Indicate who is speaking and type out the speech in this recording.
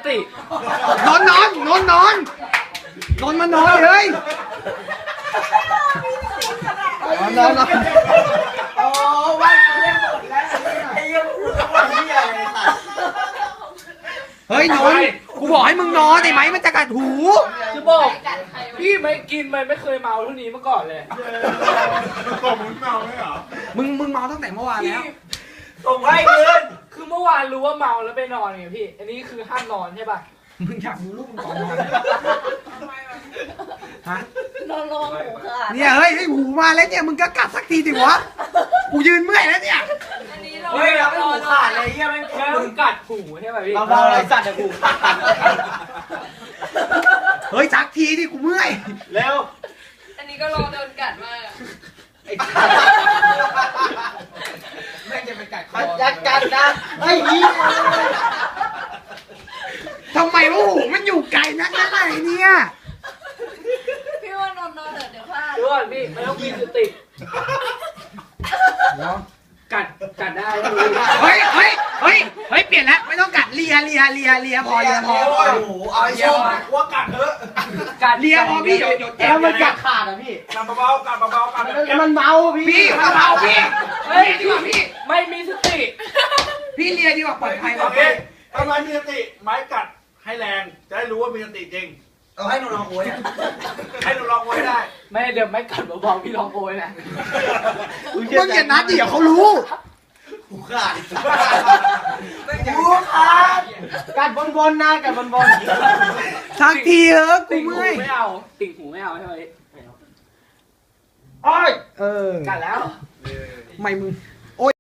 Speaker 1: ติ
Speaker 2: นอนมานอนเลยนอน
Speaker 3: โอ้ว่ากูเล่นหมดแล้วไอ้ยังพูดว่าเหี้ยอะไรสัตว์
Speaker 2: เฮ้ยนอนกูบอกให้มึงนอนไอ้ไหมมันจะกัดหู
Speaker 1: จะบอกพี่ไม่กินมันไม่เคยเมาเท่านี้มาก่อนเลย
Speaker 4: ผมมึงเมาไหมเหรอ
Speaker 2: มึงเมาตั้งแต่เมื่อวาน
Speaker 1: พี่
Speaker 2: แล้ว
Speaker 3: ส่งให้คืน
Speaker 1: คือเมื่อวานรู้ว่าเมาแล้วไปนอนไงพี่ อันนี้คือห้ามนอนใช่ป่ะ
Speaker 2: มึงอยากดูลูกมึงก่อนนอนฮะ
Speaker 5: นอนลงหูขาด
Speaker 2: เนี่ยเฮ้ยหูมาแล้วเนี่ยมึงก็กัดสักทีดิวะกูยืนเมื่อยแล้วเนี่ย
Speaker 5: อันนี้เรา
Speaker 3: เฮ้ยเราไม่หูขาดเลยเหี้ยไม่
Speaker 1: แล้วมึงกัดหูใช่ป่ะพี่
Speaker 3: เราเบาอะไรสัตว์เนี่ยหูขาด
Speaker 2: เฮ้ยสักทีดิกูเมื่อย
Speaker 3: เร็ว
Speaker 5: อันนี้ก็รอโดนกัดมากอะ
Speaker 3: แม่งจะไปกัดคอยัดกันนะไอ้เหี้ย
Speaker 2: ทำไมว่าหูมันอยู่ไกลนักไหนเนี่ย
Speaker 5: พี่ว่านอนเดี๋ยวพลาด
Speaker 1: ดูก่อนพี่ไม่ต้องมีสติ กัดได้พี่
Speaker 2: เฮ้ยเปลี่ยนแล้วไม่ต้องกัดเลียพอ
Speaker 3: โอ้โหเอาไอ้โชคว่ากัดเถอะ
Speaker 1: กัด
Speaker 2: เลียพอพี่เดี๋ยวเจ็บ
Speaker 3: แล้วมันกัดขาดอ่ะพี่
Speaker 4: กัดเบาๆกัดเบาๆกัดแบบ
Speaker 3: แล้วมันเมาพี่
Speaker 2: พี่มาเบาพี่เลียดีกว่าพี่
Speaker 1: ไม่มีสติ
Speaker 2: พี่เลียดีกว่าปลอดภัยก
Speaker 4: โอ
Speaker 2: ว่า
Speaker 4: เคทำไมมีสติไม้กัดให้แรงจะได้รู้ว่ามีสติจริง
Speaker 3: เอาให้หนูลองโวย
Speaker 4: ให้หนูลองไว้ได้
Speaker 1: ไม่เดี๋ยวไม่กัดเบาๆพี่ลองโอยนะ
Speaker 2: มึงอย่านัดดิเดี๋ยวเขารู้
Speaker 3: หูขาดหูขาดกัดบนๆนะกัดบน
Speaker 2: สักทีเถอะกู
Speaker 1: ติ่งหู
Speaker 2: เมื่อย
Speaker 1: ไม่เอาติ่งหูไม่เอาใช่ไหม
Speaker 3: ๆอ้อย
Speaker 2: เออ
Speaker 1: กัดแล้ว
Speaker 2: ไม่มึง